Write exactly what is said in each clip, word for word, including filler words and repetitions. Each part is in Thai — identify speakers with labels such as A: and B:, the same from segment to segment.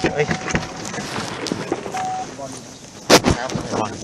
A: เอ้ยครับบอล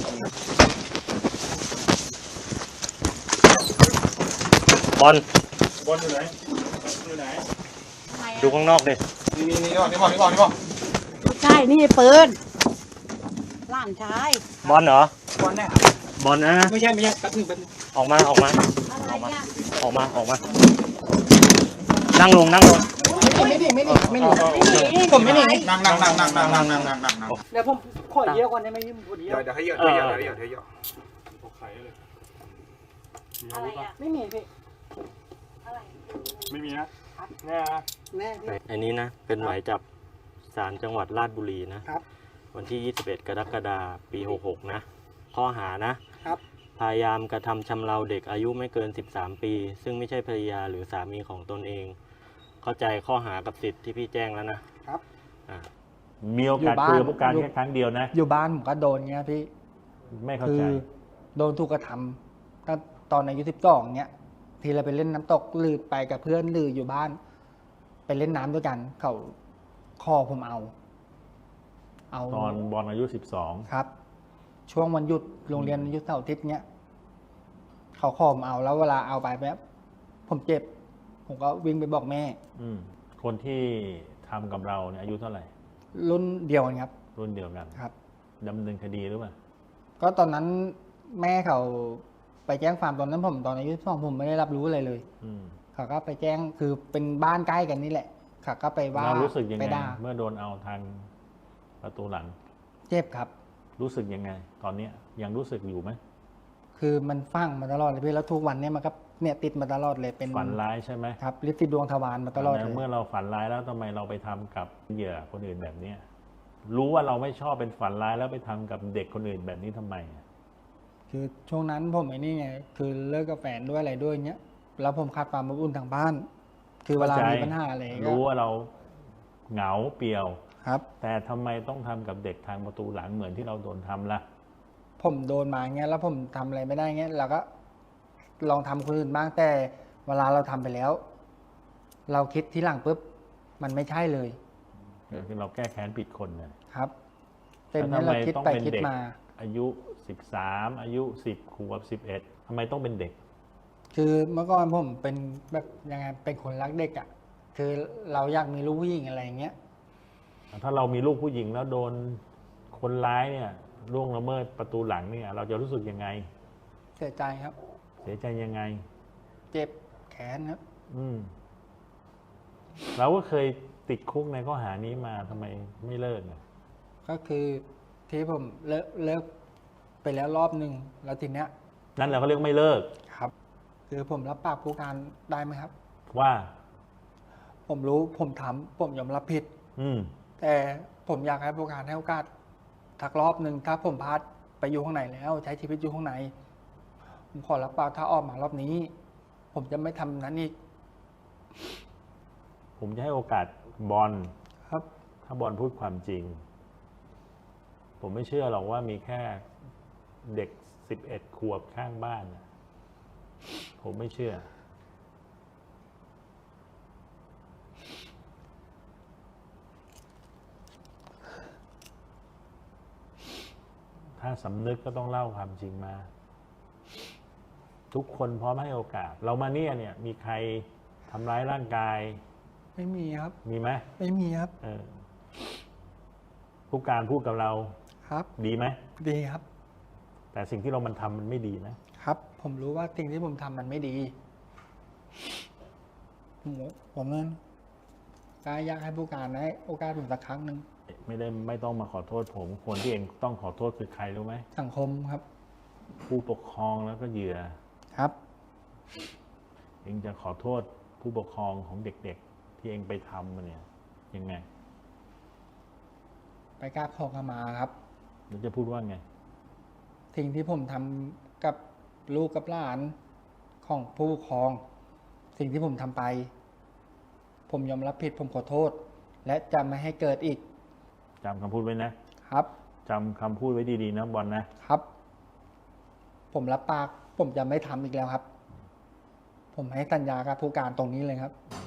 A: บอล
B: บอลอยู่ไหนอยู่ไหน
A: ดูข้างนอกดิ
B: นี่นี่นี่ก่อนนี่ก่อนนี่ก่อนนี่ก่อน
C: ใช่นี่ปืนหลานชาย
A: บอลเหร
B: บอลแน่
A: บอลนะ
B: ไม่ใช่ไม่ใช่แป๊บนึงแป๊บนึง
A: ออกมาออกมา
C: อะไรเนี่ย
A: ออกมาออกมานั่งลงนั่งลง
B: ไม่ดีไม่ดีไม่ดีผมไม่ดีนั่งนั่งนั่งนั่งนั่งนั่งนั่งนั่งนั่งนั่ง
C: เดี๋ยวผมขอเยอะก่อนได้ไหมยิ้มคนเดียว
B: เดี๋ยวให้เยอะเดี๋ยวเยอะเดี๋ยวเยอะเดี๋ยวเยอะผมไข่เลย
C: อะไรอ่ะไม่มีพี่อะไร
B: ไม่มีนะแน่
C: แม่
A: อันนี้นะเป็นหมายจับศาลจังหวัดราชบุรีนะครับวันที่ยี่สิบเอ็ดกรกฎาคมปีหกหกนะข้อหานะครับพยายามกระทำชำเราเด็กอายุไม่เกินสิบสามปีซึ่งไม่ใช่ภรรยาหรือสามีของตนเองเข้าใจข้อหากับสิทธิ์ที่พี่แจ้งแล้วนะครับ
D: มีโอกาสคุยกับผู้การแค่ครั้งเดียวนะ
E: อยู่บ้านผมก็โดนเงี้ยพี่
D: ไม่เข้าใจ
E: โดนถูกกระทำตั้งตอนอายุสิบสองเงี้ยทีเราไปเล่นน้ำตกลือไปกับเพื่อนลืออยู่บ้านไปเล่นน้ำด้วยกันเขาคอผมเอาเอา
D: ตอนบอลอายุสิบสอง
E: ครับช่วงวันหยุดโรงเรียนหยุดเสาร์อาทิตย์เงี้ยเขาคอผมเอาแล้วเวลาเอาไปแบบผมเจ็บผมก็วิ่งไปบอกแม่
D: อืมคนที่ทำกับเราเนี่ยอายุเท่าไหร่
E: รุ่นเดียวกันครับ
D: รุ่นเดียวกัน
E: ครับ
D: ดำเนินคดีหรือเปล่า
E: ก็ตอนนั้นแม่เขาไปแจ้งความตอนนั้นผมตอนอายุสิบสองผมไม่ได้รับรู้อะไรเลยเขาก็ไปแจ้งคือเป็นบ้านใกล้กันนี่แหละเขาก็ไปว่า
D: เรารู้สึกยังไงเมื่อโดนเอาทางประตูหลัง
E: เจ็บครับ
D: รู้สึกยังไงตอนนี้ยังรู้สึกอยู่ไหม
E: คือมันฟังมาตลอดเลยพี่แล้วทุกวันนี้มันก็เนี่ยติดมาตลอดเลยเป็น
D: ฝันร้ายใช่ไหม
E: ครับลิติดดวงทวารมาตลอดเลย
D: เมื่อเราฝันร้ายแล้วทำไมเราไปทำกับเหยื่อคนอื่นแบบนี้รู้ว่าเราไม่ชอบเป็นฝันร้ายแล้วไปทำกับเด็กคนอื่นแบบนี้ทำไม
E: คือช่วงนั้นผมไอ้นี่ไงคือเลิกกับแฟนด้วยอะไรด้วยเนี้ยแล้วผมขาดความอบอุ่นทางบ้านคือเวลามีปัญหาอะไร
D: รู้ว่าเราเหงาเปลี่ยว
E: ครับ
D: แต่ทำไมต้องทำกับเด็กทางประตูหลังเหมือนที่เราโดนทำล่ะ
E: ผมโดนมาเงี้ยแล้วผมทำอะไรไม่ได้เงี้ยเราก็ลองทำคนอื่นบ้างแต่เวลาเราทำไปแล้วเราคิดที่หลังปุ๊บมันไม่ใช่เลย
D: คือเราแก้แค้นผิดคน
E: นะครับเต็มนี้เราคิดไปคิดมา
D: อายุสิบสามอายุสิบขวบสิบเอ็ดทำไมต้องเป็นเด็ก
E: คือเมื่อก่อนผมเป็นแบบยังไงเป็นคนรักเด็กอ่ะคือเราอยากมีลูกผู้หญิงอะไรอย่างเงี้ย
D: ถ้าเรามีลูกผู้หญิงแล้วโดนคนร้ายเนี่ยล่วงละเมิดประตูหลังเนี่ยเราจะรู้สึกยังไง
E: เสียใจครับ
D: เสียใจยังไง
E: เจ็บแขนครับ
D: อืมเราก็เคยติดคุกในข้อหานี้มาทำไมไม่เลิกเนี่ย
E: ก็คือที่ผมเลิกเลิกไปแล้วรอบหนึ่งแล้วทีเนี้ย
D: นั่นแหละเขาเรียกไม่เลิก
E: ครับคือผมรับปากผู้การได้ไหมครับ
D: ว่า
E: ผมรู้ผมทำผมยอมรับผิด
D: อืม
E: แต่ผมอยากให้ผู้การให้โอกาสทักรอบหนึ่งถ้าผมพลาดไปอยู่ข้างในแล้วใช้ชีวิตอยู่ข้างในผมขอรับปากถ้าออกมารอบนี้ผมจะไม่ทำนั้นอีก
D: ผมจะให้โอกาสบอล
E: ครับ
D: ถ้าบอลพูดความจริงผมไม่เชื่อหรอกว่ามีแค่เด็กสิบเอ็ดขวบข้างบ้านผมไม่เชื่อถ้าสำนึกก็ต้องเล่าความจริงมาทุกคนพร้อมให้โอกาสเรามาเนี่ยเนี่ยมีใครทำร้ายร่างกาย
E: ไม่มีครับ
D: มีไหม
E: ไม่มีครับ
D: เออผู้การพูดกับเรา
E: ครับ
D: ดีไหม
E: ดีครับ
D: แต่สิ่งที่เรามันทำมันไม่ดีนะครับ
E: ผมรู้ว่าสิ่งที่ผมทำมันไม่ดีผมผมนั้นก็อยากให้ผู้การให้โอกาสผมสักครั้งหนึ่ง
D: ไม่ได้ไม่ต้องมาขอโทษผมคนที่เองต้องขอโทษคือใครรู้ไหม
E: สังคมครับ
D: ผู้ปกครองแล้วก็เหยื่อ
E: ครับ
D: เองจะขอโทษผู้ปกครองของเด็กๆที่เองไปทำมาเนี่ยยังไง
E: ไปกราบขอขมาครับ
D: แล้วจะพูดว่าไง
E: สิ่งที่ผมทำกับลูกกับหลานของผู้ปกครองสิ่งที่ผมทำไปผมยอมรับผิดผมขอโทษและจะไม่ให้เกิดอีก
D: จำคำพูดไว้นะครับจำคำพูดไว้ดีๆนะบอลนะครับ
E: ผมรับปากผมจะไม่ทำอีกแล้วครับผมให้สัญญากับผู้การตรงนี้เลยครับ